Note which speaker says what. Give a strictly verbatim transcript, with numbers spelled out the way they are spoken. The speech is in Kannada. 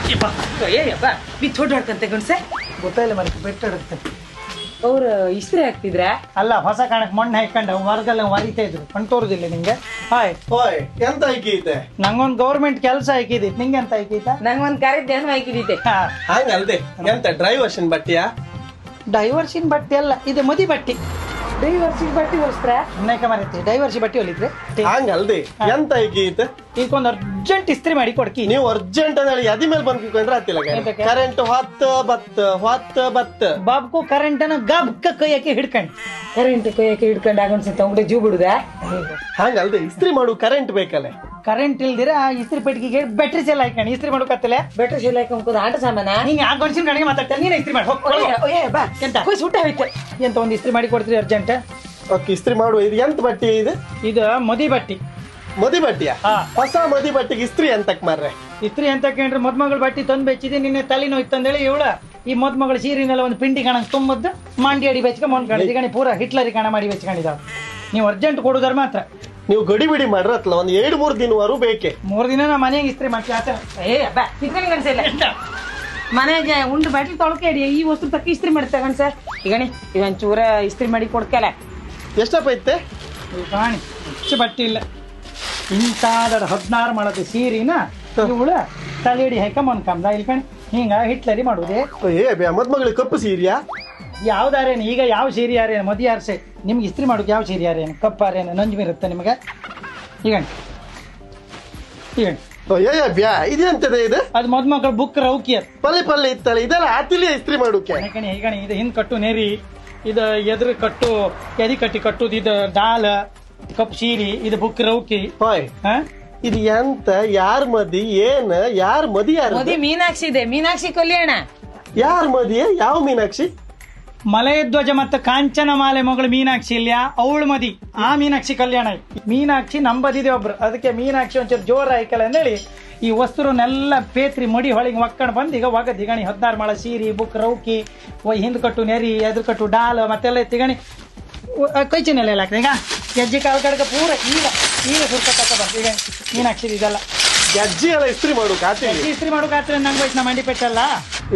Speaker 1: ಏಯಪ್ಪ ಬಿತ್ತು ಹೊಡ್ಕೊಂತೆ ಗಣಸೆ
Speaker 2: ಗೊತ್ತಾಯಿಲ್ಲ ಮರಿ ಬೆಟ್ಟಡುತ್ತೆ
Speaker 1: ಅವ್ರು ಇಸ್ತ್ರಿ ಹಾಕ್ತಿದ್ರ
Speaker 2: ಅಲ್ಲ ಹೊಸ ಕಾಣಕ್ ಮಣ್ಣು ಹಾಕೊಂಡು ಹೊರಗೆಲ್ಲ ವರಿತಾ ಇದ್ರು ಕಣ್ ತೋರುದಿಲ್ಲ ನಿಂಗೆ ಹಾಯ್
Speaker 3: ಓಯ್ ಎಂತ ಐಕೈತೆ
Speaker 2: ನಂಗೊಂದು ಗೌರ್ಮೆಂಟ್ ಕೆಲಸ ಹಾಕಿದೈತಿ ನಿಂಗೆ ಎಂತ ಹಾಕೈತ
Speaker 1: ನಂಗೊಂದ್ ಕರೆದ್ದೇನು ಹಾಕಿದೈತೆ
Speaker 3: ಹಂಗಲ್ದೆ ಎಂತ ಡ್ರೈವರ್ಷನ್ ಬಟ್ಟೆಯಾ
Speaker 2: ಡೈವರ್ಸಿನ್ ಬಟ್ಟೆ ಅಲ್ಲ ಇದು ಮದಿ ಬಟ್ಟೆ
Speaker 1: ಡೈವರ್ಸಿಗೆ ಬಟ್ಟೆ ಹೊಲಿಸ್ತ್ರ
Speaker 2: ಅನೇಕ ಮರೈತಿ ಡೈವರ್ಸಿ ಬಟ್ಟೆ ಹೊಲಿದ್ರೆ
Speaker 3: ಹಂಗಲ್ದೆ ಎಂತ ಐಕೈತೆ
Speaker 2: ಈಗೊಂದು ಅರ್ಜೆಂಟ್ ಇಸ್ತ್ರಿ ಮಾಡಿ ಕೊಡ್ಕಿ
Speaker 3: ನೀವು ಅರ್ಜೆಂಟ್ ಅಂತ ಹೇಳಿ ಅದಿ ಮೇಲೆ ಬಂದ್ ಕೂತ್ಕೊಂಡ್ರೆ ಆತಿಲ್ಲ
Speaker 2: ಎಂತಕ್ಕೆ?
Speaker 3: ಕರೆಂಟ್ ಹೊತ್ತ ಬತ್ತ ಹೊತ್ತ ಬತ್ತ
Speaker 2: ಬಾಬ್ಕು ಕರೆಂಟ್ ಅನ್ನ ಗಬ್ಕ ಕೈಯಾಕಿ ಹಿಡ್ಕೊಂಡು
Speaker 1: ಕರೆಂಟ್ ಕೈಯಕ್ಕೆ ಹಿಡ್ಕೊಂಡು ಆಗೊಂಡ್ಸಂತ ಅವ್ಗಡೆ ಜೂ ಬಿಡುದ
Speaker 3: ಹಂಗಲ್ದೆ ಇಸ್ತ್ರಿ ಮಾಡು ಕರೆಂಟ್ ಬೇಕಲ್ಲ
Speaker 2: ಕರೆಂಟ್ ಇಲ್ದಿರ ಇಸ್ತ್ರಿ ಪೆಟ್ಟಿಗೆ ಬ್ಯಾಟ್ರಿ ಸೆಲ್ ಹಾಕೊಂಡು ಇಸ್ತ್ರಿ ಮಾಡೋಕತ್ತಲೆ
Speaker 1: ಬೆಟ್ರ ಶೀಲ ಹಾಕೊಂಡ್ ಆಟ ಸಾಮಾನ
Speaker 2: ಹಿಂಗೆ ಆ ಗಂಡಸಿನ ಕಡೆಗೆ ಮಾತಾಡ್ತಾರೆ ನೀನು ಇಸ್ತ್ರಿ ಮಾಡಿ ಹೋಗಿ
Speaker 1: ಬಾ
Speaker 2: ಎಂತ
Speaker 1: ಕೊಯ್ ಸುಟ್ಟ ಹೋಯ್ತು
Speaker 2: ಎಂತ ಒಂದು ಇಸ್ತ್ರಿ ಮಾಡಿ ಕೊಡ್ತೀರಿ ಅರ್ಜೆಂಟ್
Speaker 3: ಓಕೆ ಇಸ್ತ್ರಿ ಮಾಡುವ ಇದು ಎಂತ ಬಟ್ಟೆ ಇದು
Speaker 2: ಇದು ಮದಿ ಬಟ್ಟಿ
Speaker 3: ಮದಿ ಬಟ್ಟೆಯ
Speaker 2: ಹಾ.
Speaker 3: ಹೊಸ ಮದಿ ಬಟ್ಟೆಗೆ ಇಸ್ತ್ರಿ ಎಂತಕ್ ಮಾರ್ರೆ
Speaker 2: ಇಸ್ತ್ರಿ ಅಂತ ಕೇಳ್ರಿ ಮದ್ಮಗಳ ಬಟ್ಟಿ ತಂದು ಬೆಚ್ಚಿದೆ ನಿನ್ನೆ ತಲೆ ನೋಯ್ತು ಅಂದೇಳಿ ಇವಳ ಈ ಮದ್ಮಗಳ ಸೀರಿನೆಲ್ಲ ಒಂದು ಪಿಂಡಿ ಕಣಕ್ ತುಂಬದ್ದು ಮಂಡಿ ಅಡಿ ಬೆಚ್ಕ ಮೊನ್ಕೊಂಡಿದ್ದು ಈಗ ಪೂರ ಹಿಟ್ಲರಿ ಕಣ ಮಾಡಿ ಬೆಚ್ಕೊಂಡಿದ್ದಾವ ನೀವು ಅರ್ಜೆಂಟ್ ಕೊಡುದಾರ ಮಾತ್ರ
Speaker 3: ನೀವು ಗಡಿ ಬಿಡಿ ಮಾಡ್ರತ್ಲ ಒಂದ್ ಎರಡು ಮೂರು ದಿನವರೆಗೂ ಬೇಕೆ
Speaker 2: ಮೂರು ದಿನ ನಾ ಮನೆಗೆ ಇಸ್ತ್ರಿ ಮಾಡ್ತೀವಿ ಆತ
Speaker 1: ಏ ಬಾ ತಿಕ್ಕಣಿ ಗಣಸಿಲ್ಲ ಮನೆಗೆ ಉಂಡು ಬಟ್ಲಿ ತೊಳ್ಕೆ ಹಿಡಿ ಈ ವಸ್ತು ತಕ್ಕ ಇಸ್ತ್ರಿ ಮಾಡ್ತಾ ಗಣಸ ಈಗಣಿ ಇದೊಂದ್ ಚೂರ ಇಸ್ತ್ರಿ ಮಾಡಿ ಕೊಡ್ಕಲ್ಲ
Speaker 3: ಎಷ್ಟಪ್ಪ ಐತೆ
Speaker 2: ಕಾಣಿ ಹೆಚ್ಚು ಬಟ್ಟೆ ಇಲ್ಲ ಇಂತಾದ ಹದಿನಾರು ಮಾಡದ ಸೀರಿನ ಇವಳ ತಲೆಯಡಿ ಹಾಕ ಮೊನ್ಕಂದ ಇಲ್ಲಿ ಕಣಿ ಹಿಂಗ ಹಿಟ್ಲರಿ ಮಾಡುದೇ
Speaker 3: ಏ ಬ್ಯಾ ಮದ್ಮಗಳಿಗೆ ಕಪ್ಪು ಸೀರಿಯಾ
Speaker 2: ಯಾವ್ದಾರೇನು ಈಗ ಯಾವ ಸೀರೆ ಯಾರೇನು ಮದಿ ಯಾರ್ಸೆ ನಿಮ್ಗೆ ಇಸ್ತ್ರಿ ಮಾಡೋಕೆ ಯಾವ ಸೀರೆ ಯಾರೇನು ಕಪ್ಪಾರೇನು ನಂಜು ಇರುತ್ತೆ ನಿಮಗೆ ಈಗ ಈಗ
Speaker 3: ಏ ಬ್ಯಾ ಇದೆಂತದೆ ಇದು
Speaker 2: ಅದು ಮದ್ಮಕ್ಳು ಬುಕ್ ರೌಕಿ ಅದು
Speaker 3: ಪಲ್ಲೆ ಪಲ್ಲೆ ಇತ್ತಲ್ಲ ಇದೆಲ್ಲ ಆತಿಲಿ ಇಸ್ತ್ರಿ ಮಾಡೋಕೆ
Speaker 2: ಕಣಿ ಈಗಣಿ ಇದು ಹಿಂದ್ ಕಟ್ಟು ನೆರಿ ಇದು ಎದುರು ಕಟ್ಟು ಎದಿ ಕಟ್ಟಿ ಕಟ್ಟುದು ಇದು ಡಾಲ್ ಕಪ್ ಸೀರಿ ಇದು ಬುಕ್ ರೌಕಿ
Speaker 3: ಹೋಯ್
Speaker 2: ಹಾ
Speaker 3: ಇದು ಎಂತ ಯಾರ್ ಮದಿ ಏನ್ ಯಾರ್ ಮದಿ ಯಾರು
Speaker 1: ಮದಿ ಮೀನಾಕ್ಷಿ ಇದೆ ಮೀನಾಕ್ಷಿ ಕಲ್ಯಾಣ
Speaker 3: ಯಾರ್ ಮದಿ ಯಾವ ಮೀನಾಕ್ಷಿ
Speaker 2: ಮಲಯಧ್ವಜ ಮತ್ತು ಕಾಂಚನ ಮಾಲೆ ಮಗಳು ಮೀನಾಕ್ಷಿ ಇಲ್ಯಾ ಅವಳು ಮದಿ ಆ ಮೀನಾಕ್ಷಿ ಕಲ್ಯಾಣ ಆಯ್ತು ಮೀನಾಕ್ಷಿ ನಂಬದಿದೆ ಒಬ್ರು ಅದಕ್ಕೆ ಮೀನಾಕ್ಷಿ ಒಂಚೂರು ಜೋರ ಆಯ್ಕಲ್ಲ ಅಂದೇಳಿ ಈ ವಸ್ತುರನ್ನೆಲ್ಲ ಪೇತ್ರಿ ಮಡಿ ಹೊಳಿಗೆ ಒಕ್ಕೊಂಡು ಬಂದು ಈಗ ಒಗದ್ ಈಗಣಿ ಹದಿನಾರು ಮಾಳ ಸೀರಿ ಬುಕ್ ರೌಕಿ ಹಿಂದ್ ಕಟ್ಟು ನೆರಿ ಎದುರು ಕಟ್ಟು ಡಾಲ್ ಮತ್ತೆಲ್ಲ ತಿಗಣಿ ಕೈಚಿನೆಲ್ಲ ಎಲ್ಲ ಆಗ್ತದೆ ಈಗ ಹೆಜ್ಜೆ ಕಾಲು ಕಡೆಗೆ ಪೂರ ಈಗ ಈಗ ಸುರ್ಕತ್ತ ಬಂತು ಈಗ ಮೀನಾಕ್ಷಿ ಇದೆಲ್ಲ
Speaker 3: ಅಜ್ಜಿ ಎಲ್ಲ ಇಸ್ತ್ರಿ ಮಾಡೋಕೆ ಆತಿಲಿ
Speaker 2: ಇಸ್ತ್ರಿ ಮಾಡೋಕೆ ಆತ್ರ ನಂಗೆ ಹೋಯ್ತು ನಮ್ಮ ಮಂಡಿ ಪೆಟ್ಟಲ್ಲ